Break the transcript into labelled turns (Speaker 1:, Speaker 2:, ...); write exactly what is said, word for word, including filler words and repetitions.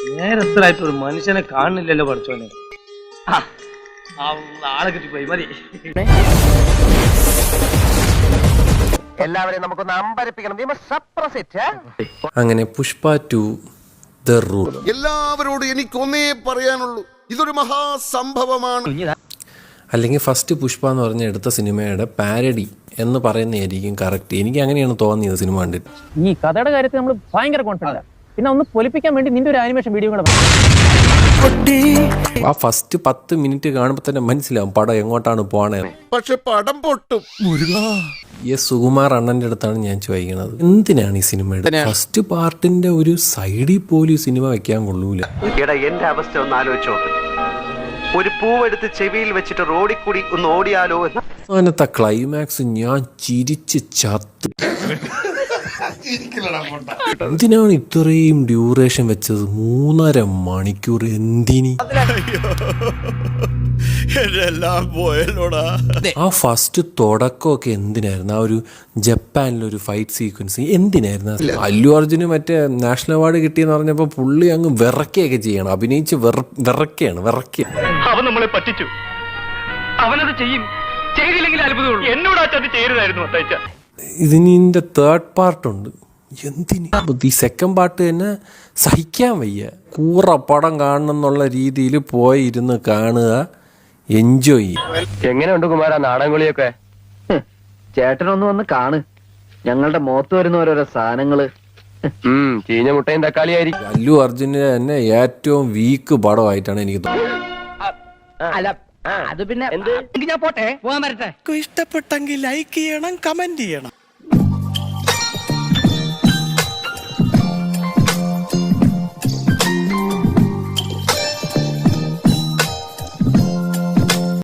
Speaker 1: നേരത്തിലായിട്ട് ഒരു മനുഷ്യനെ കാണുന്നില്ലല്ലോ പഠിച്ചോനെ. ആളെ കിട്ടിപ്പോയി മതി.
Speaker 2: എല്ലാവരെയും നമുക്കൊന്ന് അമ്പരപ്പിക്കണം.
Speaker 3: അങ്ങനെ പുഷ്പ ടു ദ റൂൾ.
Speaker 4: എല്ലാവരോടും എനിക്കൊന്നേ പറയാനുള്ളൂ, ഇതൊരു മഹാസംഭവമാണ്.
Speaker 3: അല്ലെങ്കിൽ ഫസ്റ്റ് പുഷ്പ എന്ന് പറഞ്ഞ എടുത്ത സിനിമയുടെ പാരഡി എന്ന് പറയുന്നതായിരിക്കും കറക്റ്റ്. എനിക്ക് അങ്ങനെയാണ് തോന്നിയത് സിനിമ കണ്ടിട്ട്.
Speaker 5: ഈ കഥയുടെ കാര്യത്തിൽ നമ്മൾ ഭയങ്കര കോൺഫിഡന്റ്. പിന്നെ ഒന്ന് പൊലിപ്പിക്കാൻ വേണ്ടി നിന്റെ ഒരു ആനിമേഷൻ വീഡിയോ കൂടെ
Speaker 3: ആ ഫസ്റ്റ് പത്ത് മിനിറ്റ് കാണുമ്പോൾ തന്നെ മനസ്സിലാവും പടം എങ്ങോട്ടാണ് പോണേ.
Speaker 4: പക്ഷെ പടം പൊട്ടും.
Speaker 3: ഈ സുകുമാർ അണ്ണന്റെ അടുത്താണ് ഞാൻ ചോദിക്കുന്നത്, എന്തിനാണ് ഈ സിനിമ ഫസ്റ്റ് പാർട്ടിന്റെ ഒരു സൈഡിൽ പോലും സിനിമ വെക്കാൻ കൊള്ളൂല.
Speaker 2: എന്റെ അവസ്ഥ ഒന്ന് ആലോചിച്ചോ. ഒരു പൂവെടുത്ത് ചെവിയിൽ വെച്ചിട്ട് റോഡിൽ കൂടി ഒന്ന് ഓടിയാലോ.
Speaker 3: അങ്ങനത്തെ ക്ലൈമാക്സ് ഞാൻ ചിരിച്ച് ചത്തു. എന്തിനാണ് ഇത്രയും ഡ്യൂറേഷൻ വെച്ചത്? മൂന്നര മണിക്കൂർ എന്തിനി? ആ ഫസ്റ്റ് തുടക്കമൊക്കെ എന്തിനായിരുന്നു? ആ ഒരു ജപ്പാനിലൊരു ഫൈറ്റ് സീക്വൻസ് എന്തിനായിരുന്നു? അല്ലു അർജുന് മറ്റേ നാഷണൽ അവാർഡ് കിട്ടിയെന്ന് പറഞ്ഞപ്പോ പുള്ളി അങ്ങ് വിറക്കുകയൊക്കെ ചെയ്യണം, അഭിനയിച്ച് വിറക്കുകയാണ് വിറക്കുക.
Speaker 6: അവൻ നമ്മളെ പറ്റിച്ചു, അവനത് ചെയ്യും. ചെയ്തില്ലെങ്കിൽ അത്ഭുതമുള്ളൂ. എന്നോട് ആ ചതി ചെയ്യരുതായിരുന്നു അത്തയച്ച.
Speaker 3: ഇതിൻ്റെ തേർഡ് പാർട്ടുണ്ട്. എന്തിന് ഈ സെക്കൻഡ് പാർട്ട് തന്നെ സഹിക്കാൻ വയ്യ. കൂറ പടം കാണണം എന്നുള്ള രീതിയിൽ പോയി ഇരുന്ന് കാണുക, എൻജോയ് ചെയ്യുക.
Speaker 2: എങ്ങനെയുണ്ട് കുമാര നാടൻകുളിയൊക്കെ? ചേട്ടനൊന്ന് വന്ന് കാണ്. ഞങ്ങളുടെ മുഖത്ത് വരുന്ന ഓരോരോ സാധനങ്ങള് ചീഞ്ഞ മുട്ടയും തക്കാളിയായിരിക്കും.
Speaker 3: അല്ലു അർജുന് തന്നെ ഏറ്റവും വീക്ക് പടമായിട്ടാണ് എനിക്ക് തോന്നുന്നത്.
Speaker 5: അത് പിന്നെ ഞാൻ പോട്ടെ, പോകാൻ വരട്ടെ.
Speaker 7: ഇഷ്ടപ്പെട്ടെങ്കിൽ ലൈക്ക് ചെയ്യണം, കമന്റ് ചെയ്യണം.